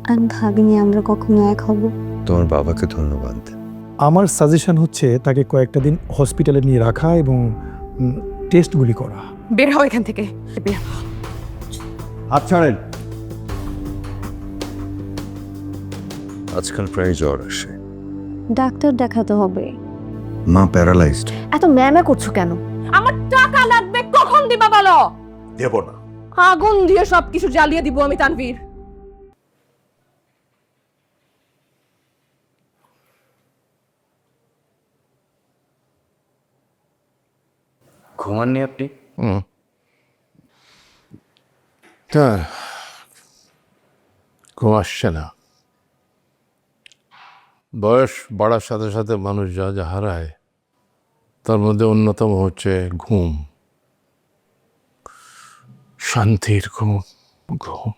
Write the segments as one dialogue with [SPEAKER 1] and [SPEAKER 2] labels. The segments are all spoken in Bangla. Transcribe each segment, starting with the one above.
[SPEAKER 1] আমি ভাবিনি আমরা কখনো এক হব।
[SPEAKER 2] তোমার বাবাকে ধন্যবাদ।
[SPEAKER 3] আমার সাজেশন হচ্ছে তাকে কয়েকটা দিন হসপিটালে নিয়ে রাখা এবং টেস্টগুলি করা।
[SPEAKER 4] বের হও এখান থেকে।
[SPEAKER 2] হাত ছাড়েন। আজকাল প্রায় জ্বর আসে।
[SPEAKER 1] ডাক্তার দেখাতে হবে।
[SPEAKER 2] মা প্যারালাইজড।
[SPEAKER 1] এত ম্যামা করছো কেন?
[SPEAKER 4] আমার টাকা লাগবে, কখন দিবা বলো?
[SPEAKER 2] দেব না।
[SPEAKER 4] আগুন দিয়ে সবকিছু জ্বালিয়ে দিব আমি তানভীর।
[SPEAKER 2] ঘুমাননি আপনি?
[SPEAKER 5] তা ঘুম আসছে না। বয়স বাড়ার সাথে সাথে মানুষ যা যা হারায় তার মধ্যে অন্যতম হচ্ছে ঘুম, শান্তির ঘুম। ঘুম।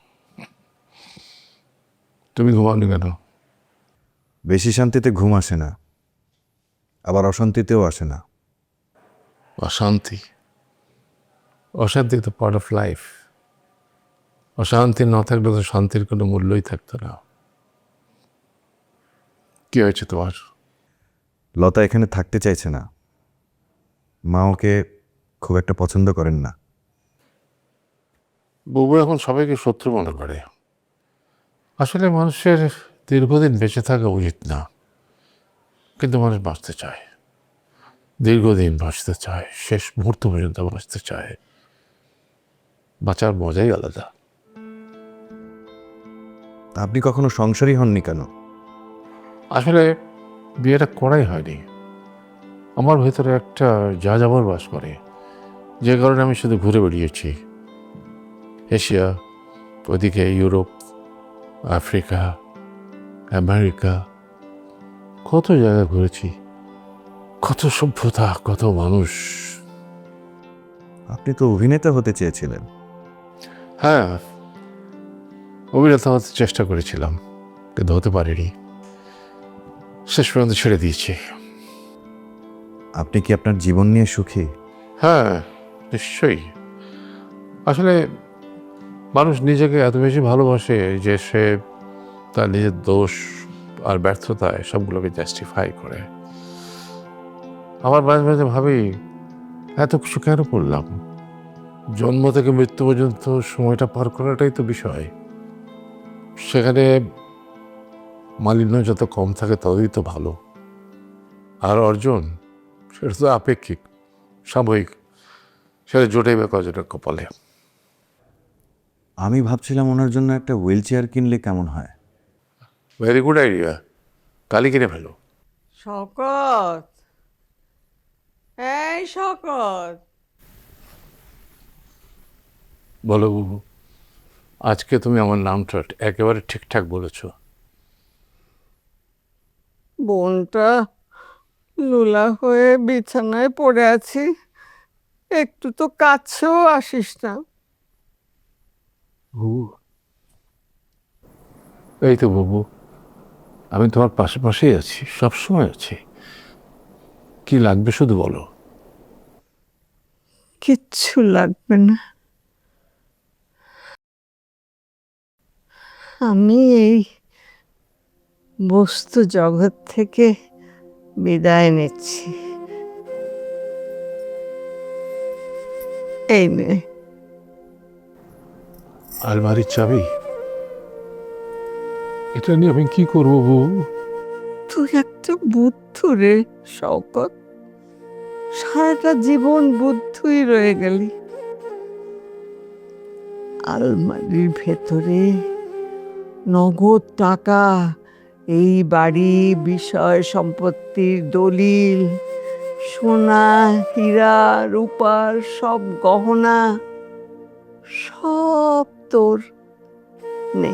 [SPEAKER 5] তুমি ঘুমাওনি কেন?
[SPEAKER 2] বেশি শান্তিতে ঘুম আসে না, আবার অশান্তিতেও আসে না।
[SPEAKER 5] অশান্তি, অশান্তি তো পার্ট অফ লাইফ। অশান্তি না থাকলে তো শান্তির কোনো মূল্যই থাকতো না। কি হয়েছে তোমার?
[SPEAKER 2] লতা এখানে থাকতে চাইছে না। মা ওকে খুব একটা পছন্দ করেন না।
[SPEAKER 5] বুবু এখন সবাইকে শত্রু মনে করে। আসলে মানুষের দীর্ঘদিন বেঁচে থাকা উচিত না, কিন্তু মানুষ বাঁচতে চায়, দীর্ঘদিন বাঁচতে চায়, শেষ মুহূর্ত পর্যন্ত বাঁচতে চায়। বাঁচার মজাই আলাদা।
[SPEAKER 2] আপনি কখনো সংসারী হননি কেন?
[SPEAKER 5] আসলে বিয়েটা করাই হয়নি। আমার ভেতরে একটা যা যাবার বাস করে, যে কারণে আমি শুধু ঘুরে বেরিয়েছি। এশিয়া, ওদিকে ইউরোপ, আফ্রিকা, আমেরিকা, কত জায়গা ঘুরেছি, কত সভ্যতা, কত মানুষ।
[SPEAKER 2] আপনি তো অভিনেতা হতে চেয়েছিলেন।
[SPEAKER 5] হ্যাঁ, অভিনেতা হতে চেষ্টা করেছিলাম, কিন্তু হতে পারিনি। শেষ পর্যন্ত ছেড়ে দিয়েছি।
[SPEAKER 2] আপনি কি আপনার জীবন নিয়ে সুখী?
[SPEAKER 5] হ্যাঁ, নিশ্চয়ই। আসলে মানুষ নিজেকে এত বেশি ভালোবাসে যে সে তার নিজের দোষ আর ব্যর্থতায় সবগুলোকে জাস্টিফাই করে। আমার মাঝে মাঝে ভাবি, এত কিছু কেন করলাম? জন্ম থেকে মৃত্যু পর্যন্ত সময়টা পার করাটাই তো বিষয়। সেখানে মালিন্য যত কম থাকে ততই তো ভালো। আর অর্জন, সেটা তো আপেক্ষিক, সাময়িক। সেটা জোটেই বা কজনের কপালে।
[SPEAKER 2] আমি ভাবছিলাম ওনার জন্য একটা হুইল চেয়ার কিনলে কেমন হয়।
[SPEAKER 5] Very good idea. কালি কিনে ফেলো।
[SPEAKER 6] শকত, এই শকত,
[SPEAKER 5] বলো বুবু, আজকে তুমি আমার নামটা একেবারে ঠিকঠাক বলেছো।
[SPEAKER 6] বোনটা লুলা হয়ে বিছানায় পড়ে আছি, একটু তো কাছেও আসিস না।
[SPEAKER 5] বুবু, এই তো বুবু, আমি তোমার পাশে পাশেই আছি, সবসময় আছি। কি লাগবে শুধু বলো।
[SPEAKER 6] কিচ্ছু লাগবে না। আমি এই বস্তু জগৎ থেকে বিদায় নিচ্ছি। এই নে।
[SPEAKER 5] আলমারির চাবি? এটা নিয়ে আমি কি করবো বুবু?
[SPEAKER 6] তুই একটা বুদ্ধু রে শওকত, সারাটা জীবন বুদ্ধুই রয়ে গেলি। আলমারির ভেতরে নগদ টাকা, এই বাড়ি, বিষয় সম্পত্তির দলিল, সোনা, হীরা, রূপার সব গহনা, সব তোর। নে।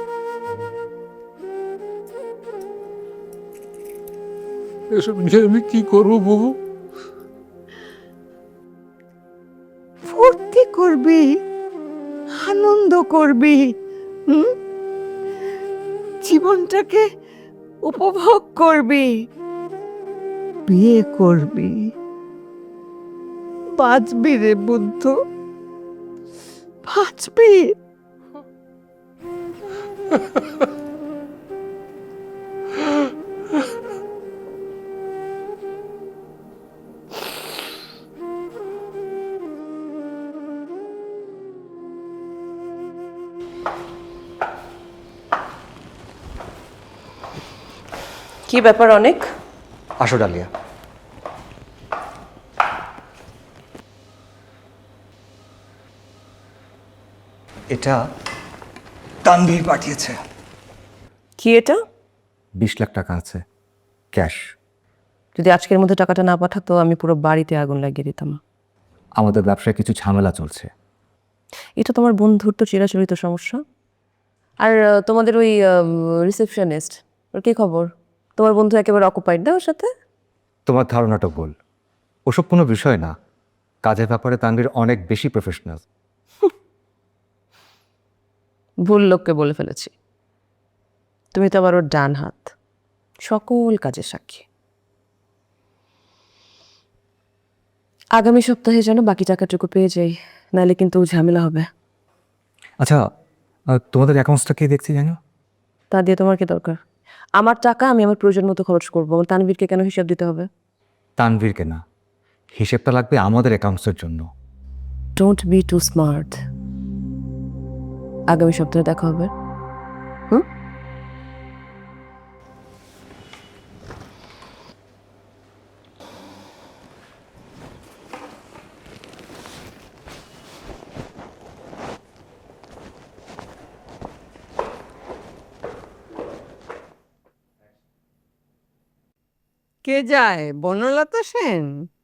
[SPEAKER 5] এসব নিয়ে আমি কি করবো বুবু?
[SPEAKER 6] ফুর্তি করবি, আনন্দ করবি, হুম? জীবনটাকে উপভোগ করবি, বিয়ে করবি, বাঁচবি রে বুদ্ধু, বাঁচবি।
[SPEAKER 7] কি ব্যাপার অনেক?
[SPEAKER 8] আসো ডালিয়া। এটা তানভীর পাঠিয়েছে।
[SPEAKER 7] কি এটা?
[SPEAKER 8] 20 লাখ টাকা আছে ক্যাশ।
[SPEAKER 7] যদি আজকের মধ্যে টাকাটা না পাঠাতো আমি পুরো বাড়িতে আগুন লাগিয়ে দিতাম।
[SPEAKER 8] আমাদের ব্যবসায় কিছু ঝামেলা চলছে।
[SPEAKER 7] এটা তোমার বন্ধুর তো চিরাচরিত সমস্যা। আর তোমাদের ওই রিসেপশনিস্ট, ওর কি খবর? তোমার বন্ধু একেবারে অকুপাইড না ওর সাথে?
[SPEAKER 8] তোমার ধারণাটা ভুল। ওসব কোনো বিষয় না। কাজের ব্যাপারে তানভীর অনেক বেশি প্রফেশনাল।
[SPEAKER 7] ভুল লোককে বলে ফেলেছি। তুমি তো আবার ওর ডান হাত, সকল কাজের সাক্ষী। আগামী সপ্তাহে যেন বাকি টাকাটুকু পেয়ে যাই, নাহলে কিন্তু ঝামেলা হবে।
[SPEAKER 8] আচ্ছা, তোমাদের অ্যাকাউন্টসটা কে দেখছি জানো?
[SPEAKER 7] তা দিয়ে তোমার কি দরকার? আমার টাকা আমি আমার প্রয়োজন মতো খরচ করবো। আমার তানভীরকে কেন হিসাব দিতে হবে?
[SPEAKER 8] তানভীরকে না, হিসেবটা লাগবে আমাদের অ্যাকাউন্টসের জন্য।
[SPEAKER 7] Don't be too smart. আগামী সপ্তাহে দেখা হবে।
[SPEAKER 6] কে যায়? বনলতা সেন?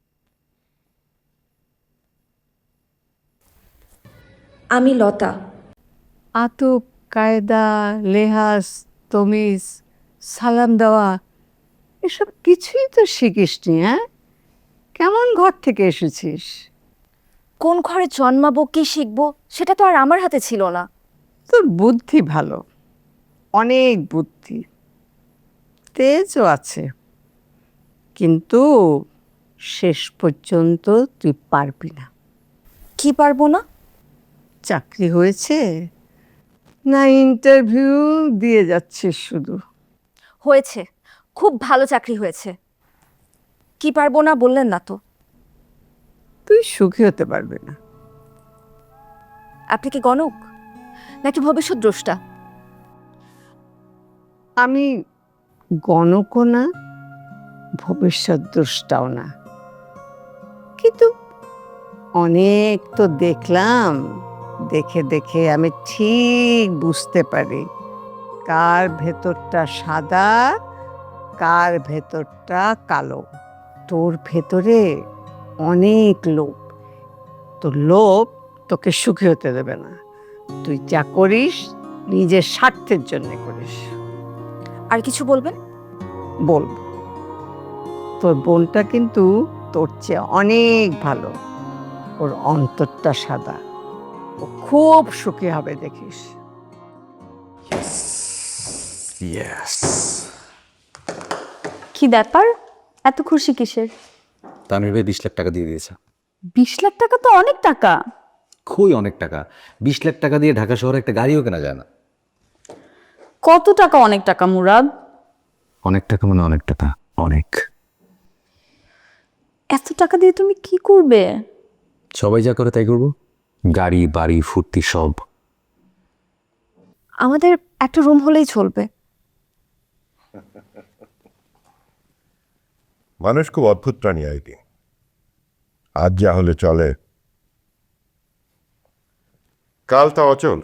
[SPEAKER 1] আমি লতা।
[SPEAKER 6] আতুক, কায়দা, লেহাজ, তমিজ, সালাম দেওয়া এসব কিছুই তো শিখিসনি। হ্যাঁ, কেমন ঘর থেকে এসেছিস?
[SPEAKER 1] কোন ঘরে জন্মাবো, কি শিখবো, সেটা তো আর আমার হাতে ছিল না।
[SPEAKER 6] তোর বুদ্ধি ভালো, অনেক বুদ্ধি, তেজও আছে, কিন্তু শেষ পর্যন্ত তুই পারবি না।
[SPEAKER 1] কি পারবো না?
[SPEAKER 6] চাকরি হয়েছে না ইন্টারভিউ দিয়ে যাচ্ছিস শুধু?
[SPEAKER 1] হয়েছে, খুব ভালো চাকরি হয়েছে। কি পারবো না বললেন না তো।
[SPEAKER 6] তুই সুখী হতে পারবি না।
[SPEAKER 1] আপনি কি গণক নাকি ভবিষ্যৎ দ্রষ্টা?
[SPEAKER 6] আমি গণকও না, ভবিষ্যৎ দ্রষ্টাও না, কিন্তু অনেক তো দেখলাম। দেখে দেখে আমি ঠিক বুঝতে পারি কার ভেতরটা সাদা, কার ভেতরটা কালো। তোর ভেতরে অনেক লোভ। তোর লোভ তোকে সুখী হতে দেবে না। তুই যা করিস নিজের স্বার্থের জন্য করিস।
[SPEAKER 1] আর কিছু বলবেন?
[SPEAKER 6] বলবো, তোর বোনটা কিন্তু তোর চেয়ে অনেক ভালো। ওর অন্তরটা সাদা, ও খুব সুখী হবে দেখিস।
[SPEAKER 1] কি ব্যাপার, এত খুশি কিসের?
[SPEAKER 8] তানভীর ভাই 20 লাখ টাকা দিয়ে দিয়েছে।
[SPEAKER 1] 20 লাখ টাকা তো অনেক টাকা।
[SPEAKER 8] খুবই অনেক টাকা। 20 লাখ টাকা দিয়ে ঢাকা শহরে একটা গাড়িও কেনা যায় না।
[SPEAKER 1] কত টাকা অনেক টাকা মুরাদ?
[SPEAKER 8] অনেক টাকা মানে অনেক টাকা, অনেক।
[SPEAKER 1] এত টাকা দিয়ে তুমি কি করবে?
[SPEAKER 8] সবাই যা করে তাই করবো। গাড়ি, বাড়ি, ফুর্তি সব।
[SPEAKER 1] আমাদের একটা রুম হলেই চলবে।
[SPEAKER 9] মানুষ খুব অদ্ভুত প্রাণী আইডি। আজ যা হলে চলে, কাল তা অচল।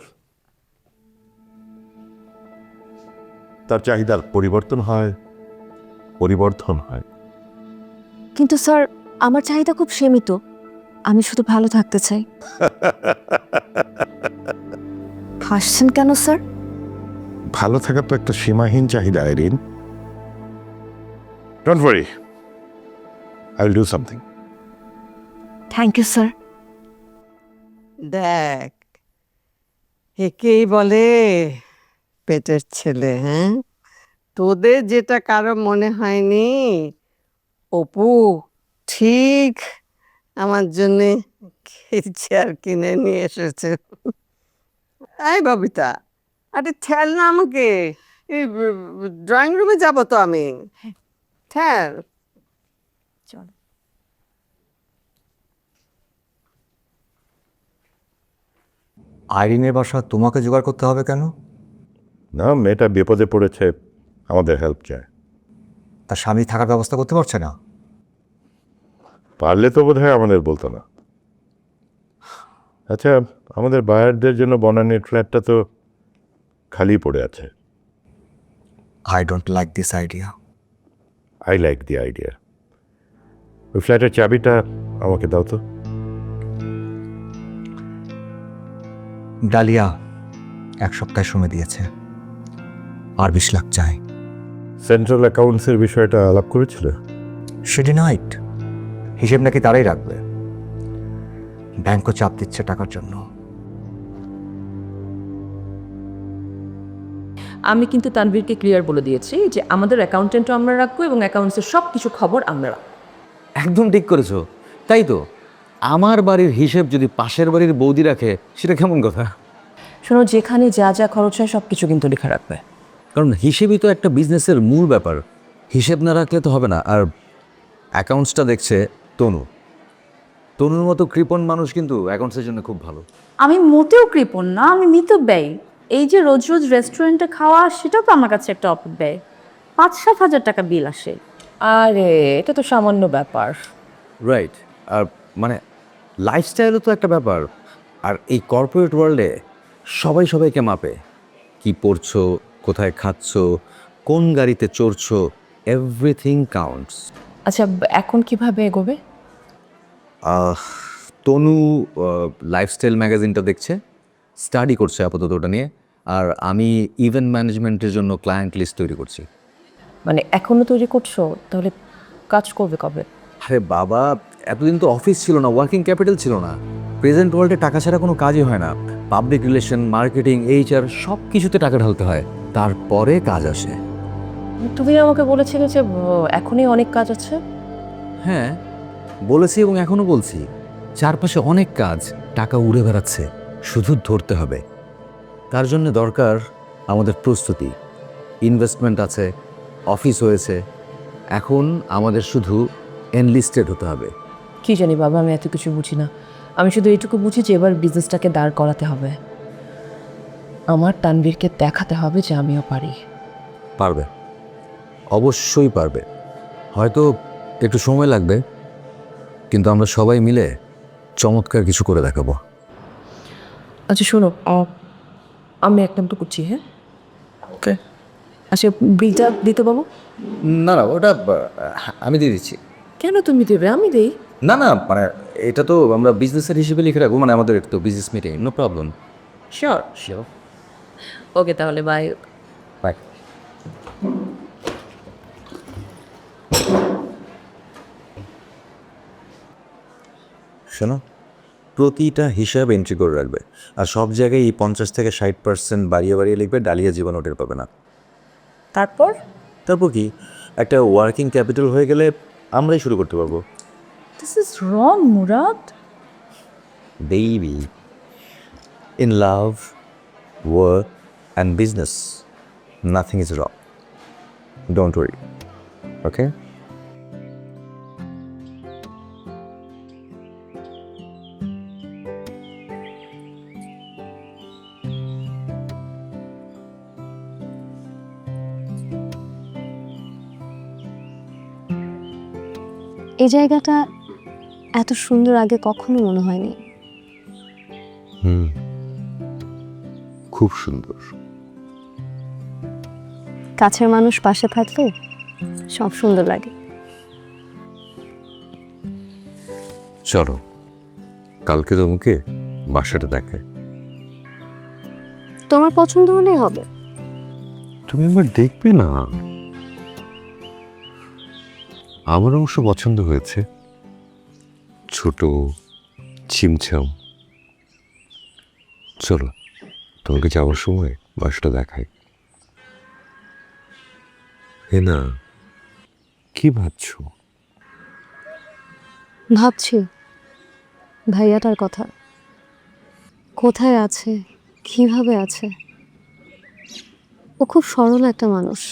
[SPEAKER 9] তার চাহিদার পরিবর্তন হয়, পরিবর্ধন হয়।
[SPEAKER 1] কিন্তু স্যার, আমার চাহিদা খুব সীমিত। আমি শুধু ভালো থাকতে চাই। হাসছেন কেন স্যার?
[SPEAKER 9] ভালো থাকা তো একটা সীমাহীন চাহিদা Irene. Don't worry, I will do something.
[SPEAKER 1] Thank you sir.
[SPEAKER 6] দেখ, একেই বলে পেটের ছেলে। হ্যাঁ, তোদের যেটা কারো মনে হয়নি, অপু ঠিক আমার জন্যে চেয়ার কিনে নিয়ে এসেছে। এই ববিতা, আরে ঠেল না আমাকে, এই ড্রয়িং রুমে যাব তো আমি। ঠেল।
[SPEAKER 8] আইরিনের বাসা তোমাকে জোগাড় করতে হবে কেন?
[SPEAKER 9] না, মেয়েটা বিপদে পড়েছে, আমাদের হেল্প চায়।
[SPEAKER 8] তার স্বামী থাকার ব্যবস্থা করতে পারছে না?
[SPEAKER 9] পারলে তো বোধহয় আমাদের বলতো না। আচ্ছা, আমাদের বায়ারদের জন্য বনানীর ফ্ল্যাটটা তো খালি পড়ে আছে।
[SPEAKER 8] I don't like this idea.
[SPEAKER 9] I like the idea. ওই ফ্ল্যাটের চাবিটা আমাকে দাও তো।
[SPEAKER 8] ডালিয়া 1 সপ্তাহ সময় দিয়েছে, আর 20 লাখ চাই।
[SPEAKER 9] সেন্ট্রাল অ্যাকাউন্টসের বিষয়টা আলাপ করেছিল?
[SPEAKER 8] সে ডিনাইড। হিসেব নাকি তারাই রাখবে। ব্যাংকও চাপ দিচ্ছে টাকার জন্য।
[SPEAKER 7] আমি কিন্তু তানভীরকে ক্লিয়ার বলে দিয়েছি যে আমাদের অ্যাকাউন্টেন্টও আমরা রাখবো এবং অ্যাকাউন্টসের সব কিছু খবর আমরা রাখবো।
[SPEAKER 10] একদম ঠিক করেছো। তাই তো, আমার বাড়ির হিসেব যদি পাশের বাড়ির বৌদি রাখে সেটা কেমন কথা?
[SPEAKER 7] শোনো, যেখানে যা যা খরচ হয় সব কিছু কিন্তু লেখা রাখবে।
[SPEAKER 10] কারণ হিসেবই তো একটা বিজনেসের মূল ব্যাপার। হিসেব না রাখলে তো হবে না। আর অ্যাকাউন্টসটা দেখছে তনু। তনুর মতো কৃপণ মানুষ কিন্তু অ্যাকাউন্টসের জন্য খুব ভালো।
[SPEAKER 1] আমি মোটেও কৃপণ না, আমি মিতব্যয়ী। এই যে রোজ রোজ রেস্টুরেন্টে খাওয়া, সেটাও তো আমার কাছে একটা অপব্যয়। 5-7 হাজার টাকা বিল আসে।
[SPEAKER 7] আরে এটা তো সামান্য ব্যাপার।
[SPEAKER 10] রাইট। আর মানে লাইফস্টাইলও তো একটা ব্যাপার। আর এই কর্পোরেট ওয়ার্ল্ডে সবাই সবাইকে মাপে। কি পড়ছো, কোথায় খাচ্ছো, কোন গাড়িতে চড়ছো, এভরিথিং কাউন্টস।
[SPEAKER 7] আচ্ছা, এখন কিভাবে এগোবে?
[SPEAKER 10] তনু লাইফস্টাইল ম্যাগাজিনটা দেখছে, স্টাডি করছে আপাতত ওটা নিয়ে। আর আমি ইভেন্ট ম্যানেজমেন্টের জন্য ক্লায়েন্ট লিস্ট তৈরি করছি।
[SPEAKER 7] মানে এখনো তৈরি করছো? তাহলে কাজ করবে কবে?
[SPEAKER 10] আরে বাবা, এতদিন তো অফিস ছিল না, ওয়ার্কিং ক্যাপিটাল ছিল না। প্রেজেন্ট ওয়ার্ল্ডে টাকা ছাড়া কোনো কাজই হয় না। পাবলিক রিলেশন, মার্কেটিং, এইচআর সব কিছুতে টাকা ঢালতে হয়, তারপরে কাজ আসে।
[SPEAKER 7] তুমি আমাকে বলেছিলে যে এখনই অনেক কাজ আছে।
[SPEAKER 10] হ্যাঁ বলেছি এবং এখনও বলছি, চারপাশে অনেক কাজ, টাকা উড়ে বেড়াচ্ছে, শুধু ধরতে হবে। তার জন্য দরকার আমাদের প্রস্তুতি। ইনভেস্টমেন্ট আছে, অফিস হয়েছে, এখন আমাদের শুধু এনলিস্টেড হতে হবে।
[SPEAKER 7] কি জানি বাবা, আমি এত কিছু বুঝি না। আমি শুধু এইটুকু বুঝি যে এবার বিজনেসটাকে দাঁড় করাতে হবে। আমার তানভীরকে দেখাতে হবে যে আমিও পারি।
[SPEAKER 10] পারবে, অবশ্যই পারবে। হয়তো একটু সময় লাগবে, কিন্তু আমরা সবাই মিলে চমৎকার কিছু করে দেখাবো।
[SPEAKER 7] আচ্ছা শোনো, আমি একটা মতো করছি। হ্যাঁ, ওকে। আচ্ছা, বিলটা দিতে পাবো?
[SPEAKER 10] না না, ওটা আমি দিয়ে দিচ্ছি।
[SPEAKER 7] কেন তুমি দেবে? আমি দেই।
[SPEAKER 10] না না, মানে এটা তো আমরা বিজনেসের হিসেবে লিখে রাখবো, মানে আমাদের তো business meeting, no problem.
[SPEAKER 7] Sure sure. Okay, তাহলে বাই
[SPEAKER 10] বাই।
[SPEAKER 2] শোনো, প্রতিটা হিসাব এন্ট্রি করে রাখবে, আর সব জায়গায় এই 50 থেকে 60% বাড়িয়ে বাড়িয়ে লিখবে, ডালিয়া জীবন ওটের পাবে না।
[SPEAKER 7] তারপর?
[SPEAKER 2] তারপর কি, একটা ওয়ার্কিং ক্যাপিটাল হয়ে গেলে আমরাই শুরু করতে পারবো।
[SPEAKER 1] This is wrong, Murad.
[SPEAKER 2] Baby, in love, work and business, nothing is wrong. Don't worry, okay?
[SPEAKER 11] এই জায়গাটা এত সুন্দর আগে কখনো মনে হয়নি।
[SPEAKER 9] খুব সুন্দর।
[SPEAKER 11] কাছের মানুষ পাশে থাকলে সব সুন্দর লাগে।
[SPEAKER 9] চলো, কালকে তোমাকে বাসাটা দেখায়।
[SPEAKER 11] তোমার পছন্দ হলেই হবে।
[SPEAKER 9] তুমি একবার দেখবে না? আমার অবশ্য পছন্দ হয়েছে, ছোট, ছিমছাম। চলো, তোমাকে যাওয়ার সময় বাসাটা দেখাই। না, কি ভাবছো?
[SPEAKER 11] ভাবছি ভাইয়াটার কথা, কোথায় আছে, কিভাবে আছে। ও খুব সরল একটা মানুষ।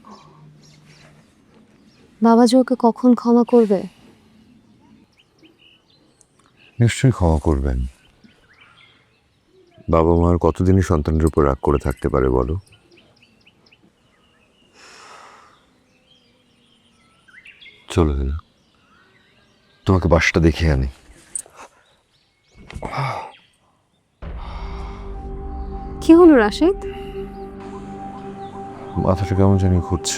[SPEAKER 11] বাবা যে ওকে কখন ক্ষমা করবে?
[SPEAKER 9] নিশ্চয়ই ক্ষমা করবেন। বাবা মা আর কতদিনই সন্তানের উপর রাগ করে থাকতে পারে বলো? চলো হেনা, তোমাকে বাসটা দেখিয়ে আনি।
[SPEAKER 11] কি হলো রাশেদ?
[SPEAKER 9] মাথাটা কেমন জানি ঘুরছে।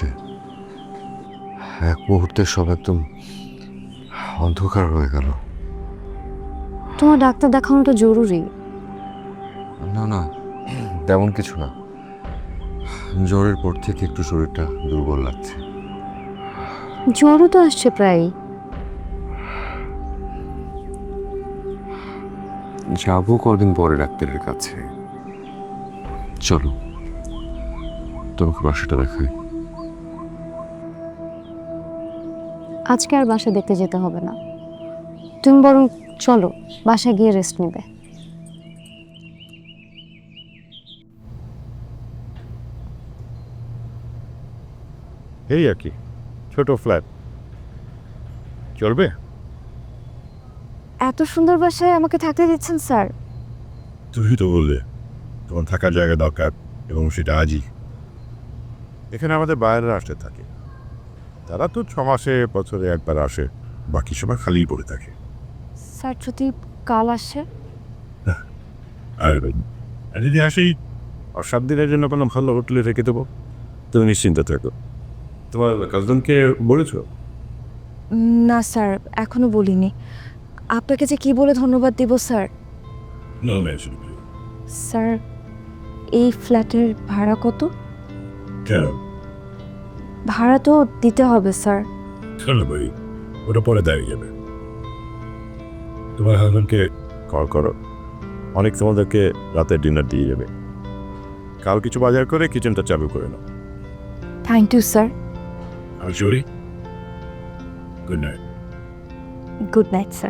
[SPEAKER 9] এক মুহূর্তে সব একদম অন্ধকার হয়ে গেল।
[SPEAKER 11] তোমার ডাক্তার দেখানোটা জরুরি।
[SPEAKER 9] না না, তেমন কিছু না। জ্বরের পর থেকে একটু শরীরটা দুর্বল লাগছে।
[SPEAKER 11] জ্বরও তো আসছে প্রায়।
[SPEAKER 9] যাবো কদিন পরে ডাক্তারের কাছে। চলো, তোমাকে বাসাটা দেখাই।
[SPEAKER 11] আজকে আর বাসা দেখতে যেতে হবে না, তুমি বরং চলো বাসায় গিয়ে রেস্ট নেবে।
[SPEAKER 9] এই আর কি, ছোট ফ্ল্যাট চলবে।
[SPEAKER 11] এত সুন্দর বাসায় আমাকে থাকতে দিচ্ছেন স্যার?
[SPEAKER 9] তুমি তো বললে তোমার থাকার জায়গা দরকার, এবং সেটা আজই। এখানে আমাদের বাইরের আসতে থাকে, তারা তো 6 মাসে বছরে একবার আসে, বাকি সময় খালি পড়ে থাকে।
[SPEAKER 11] স্যার যদি কাল আসে?
[SPEAKER 9] আর যদি আসি, আর 7 দিনের জন্য কোনো ভালো হোটেলে রেখে দেবো, তুমি নিশ্চিন্ত থাকো। তোমার কাজনকে বলেছো?
[SPEAKER 11] না স্যার, এখনো বলিনি। আপনাকে যে কি বলে ধন্যবাদ দিব স্যার। স্যার, এই ফ্ল্যাটের ভাড়া কত? ভাড়া তো দিতে হবে স্যার।
[SPEAKER 9] চলো ভাই, ওটা পরে দাঁড়িয়ে যাবে। তোমার হাজবেন্ডকে কল করো, অনেক তোমাদেরকে রাতের ডিনার দিয়ে যাবে। কাল কিছু বাজার করে কিচেনটা চালু করে নাও।
[SPEAKER 11] Thank you sir.
[SPEAKER 9] আর জরি, good night.
[SPEAKER 11] Good night sir.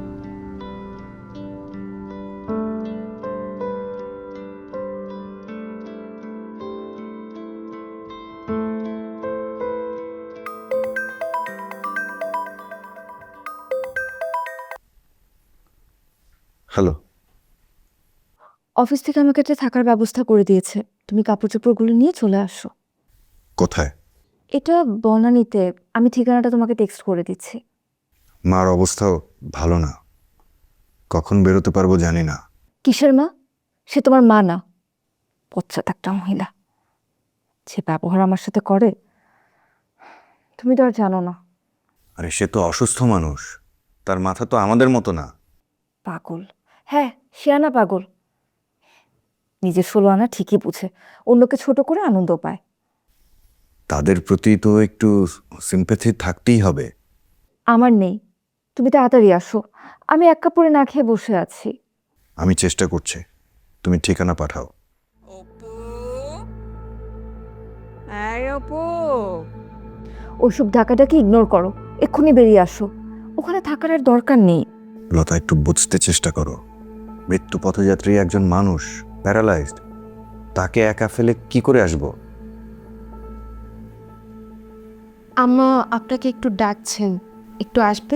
[SPEAKER 2] Hello.
[SPEAKER 11] Office থেকে আমাকে একটা থাকার ব্যবস্থা করে দিয়েছে, তুমি কাপড় চোপড়গুলো নিয়ে চলে আসো।
[SPEAKER 2] কোথায়?
[SPEAKER 11] এটা বনানীতে, আমি ঠিকানাটা তোমাকে টেক্সট করে দিচ্ছি।
[SPEAKER 2] মার অবস্থাও ভালো না, কখন বেরোতে পারবো জানি না।
[SPEAKER 11] কিসের মা? সে তোমার মা না, পশ্চাৎ একটা মহিলা। যে ব্যবহার আমার সাথে করে তুমি তো আর জানো না।
[SPEAKER 2] আরে সে তো অসুস্থ মানুষ, তার মাথা তো আমাদের মতো না।
[SPEAKER 11] পাগল, হ্যাঁ শিয়ানা পাগল। নিজের 16 আনা ঠিকই বুঝে, অন্যকে ছোট করে আনন্দ পায়।
[SPEAKER 2] তাদের প্রতি তো একটু সিম্প্যাথি থাকতেই হবে।
[SPEAKER 11] আমার নেই, তুমি তাড়াতাড়ি আসো, আমি এক কাপড়ে না খেয়ে বসে আছি।
[SPEAKER 2] আমি চেষ্টা করছি, তুমি ঠিকানা পাঠাও।
[SPEAKER 11] ওইসব ঢাকাটাকে ইগনোর করো, এক্ষুনি বেরিয়ে আসো, ওখানে থাকার আর দরকার নেই।
[SPEAKER 2] লতা, একটু বুঝতে চেষ্টা করো। মৃত্যু পথযাত্রী একজন মানুষ, প্যারালাইজড, তাকে একা ফেলে কি করে আসবো?
[SPEAKER 11] আম্মা আপনাকে একটু ডাকছেন, একটু আসবে?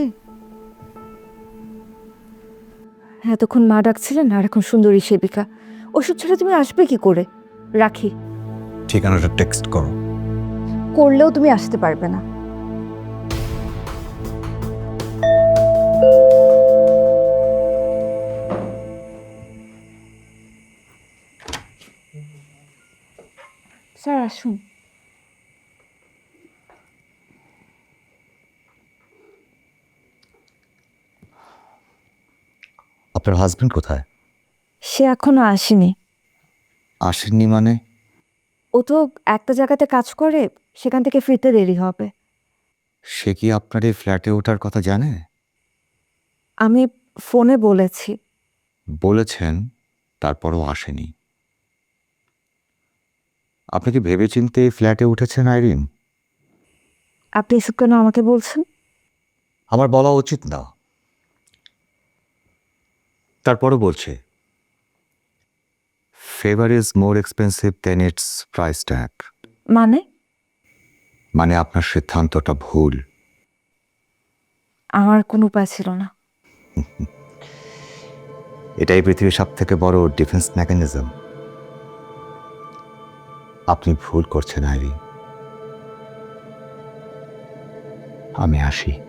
[SPEAKER 11] এতক্ষণ মা ডাকছিলেন, আর এখন সুন্দরী সেবিকা। ওষুধ ছেড়ে তুমি আসবে কি করে? রাখি।
[SPEAKER 2] ঠিকানাটা টেক্সট করো।
[SPEAKER 11] করলেও তুমি আসতে পারবে না। স্যার আসুন।
[SPEAKER 8] আপনার হাজবেন্ড কোথায়?
[SPEAKER 11] সে এখনো আসেনি।
[SPEAKER 8] আসেননি মানে?
[SPEAKER 11] ও তো একটা জায়গাতে কাজ করে, সেখান থেকে ফিরতে দেরি হবে।
[SPEAKER 8] সে কি আপনার এই ফ্ল্যাটে ওঠার কথা জানে?
[SPEAKER 11] আমি ফোনে বলেছি।
[SPEAKER 8] বলেছেন, তারপরও আসেনি। আপনি কি ভেবেচিন্তে এই ফ্ল্যাটে উঠেছেন আইরিন?
[SPEAKER 11] আপনি এসব কেন আমাকে বলছেন?
[SPEAKER 8] আমার বলা উচিত না, তারপরও বলছে। Favour is more expensive then its price tag.
[SPEAKER 11] মানে
[SPEAKER 8] আপনার সিদ্ধান্তটা ভুল।
[SPEAKER 11] আমার কোনো উপায় ছিল না।
[SPEAKER 8] এটাই পৃথিবীর সব থেকে বড় ডিফেন্স মেকানিজম। আপনি ভুল করছেন আইরি। আমি আসি।